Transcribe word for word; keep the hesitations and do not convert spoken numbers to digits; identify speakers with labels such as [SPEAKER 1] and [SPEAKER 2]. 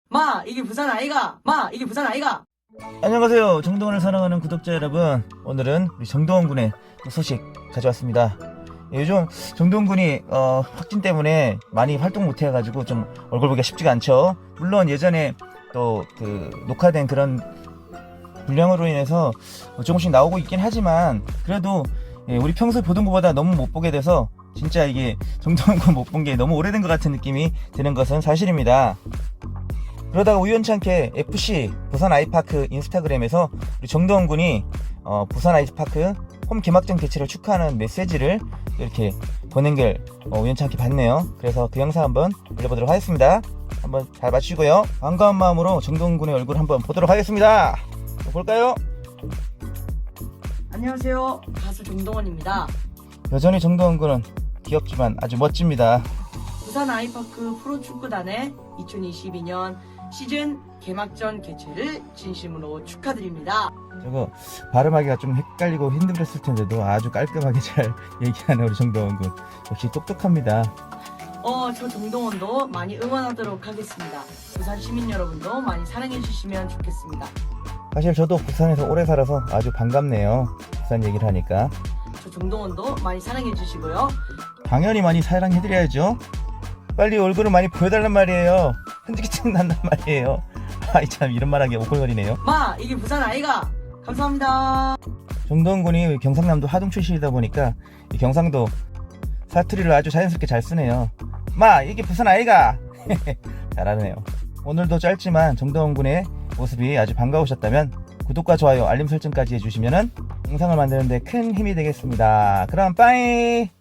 [SPEAKER 1] 마 이게 부산 아이가 마 이게 부산 아이가.
[SPEAKER 2] 안녕하세요. 정동원을 사랑하는 구독자 여러분, 오늘은 우리 정동원 군의 또 소식 가져왔습니다. 예, 요즘 정동원 군이 어, 확진 때문에 많이 활동 못 해가지고 좀 얼굴 보기가 쉽지가 않죠. 물론 예전에 또 그 녹화된 그런 분량으로 인해서 조금씩 나오고 있긴 하지만 그래도 예, 우리 평소에 보던 것보다 너무 못 보게 돼서 진짜 이게 정동원 군 못 본 게 너무 오래된 것 같은 느낌이 드는 것은 사실입니다. 그러다가 우연찮게 에프씨 부산 아이파크 인스타그램에서 우리 정동원 군이 어, 부산 아이파크 홈 개막전 개최를 축하하는 메시지를 이렇게 보낸 걸 어, 우연찮게 봤네요. 그래서 그 영상 한번 올려보도록 하겠습니다. 한번 잘 봐주시고요. 반가운 마음으로 정동원 군의 얼굴 한번 보도록 하겠습니다. 볼까요?
[SPEAKER 1] 안녕하세요, 가수 정동원입니다.
[SPEAKER 2] 여전히 정동원 군은 귀엽지만 아주 멋집니다.
[SPEAKER 1] 부산 아이파크 프로축구단의 이천이십이 년 시즌 개막전 개최를 진심으로 축하드립니다.
[SPEAKER 2] 저거 발음하기가 좀 헷갈리고 힘들었을 텐데도 아주 깔끔하게 잘 얘기하는 우리 정동원 군, 역시 똑똑합니다.
[SPEAKER 1] 어, 저 정동원도 많이 응원하도록 하겠습니다. 부산 시민 여러분도 많이 사랑해 주시면 좋겠습니다.
[SPEAKER 2] 사실 저도 부산에서 오래 살아서 아주 반갑네요. 부산 얘기를 하니까.
[SPEAKER 1] 저 정동원도 많이 사랑해 주시고요.
[SPEAKER 2] 당연히 많이 사랑해드려야죠. 빨리 얼굴을 많이 보여달란 말이에요. 현직증 난단 말이에요. 아이 참, 이런 말하기 오글거리네요.
[SPEAKER 1] 마 이게 부산 아이가. 감사합니다.
[SPEAKER 2] 정동원 군이 경상남도 하동 출신이다 보니까 이 경상도 사투리를 아주 자연스럽게 잘 쓰네요. 마 이게 부산 아이가. 잘하네요. 오늘도 짧지만 정동원 군의 모습이 아주 반가우셨다면 구독과 좋아요 알림 설정까지 해주시면 영상을 만드는데 큰 힘이 되겠습니다. 그럼 빠이.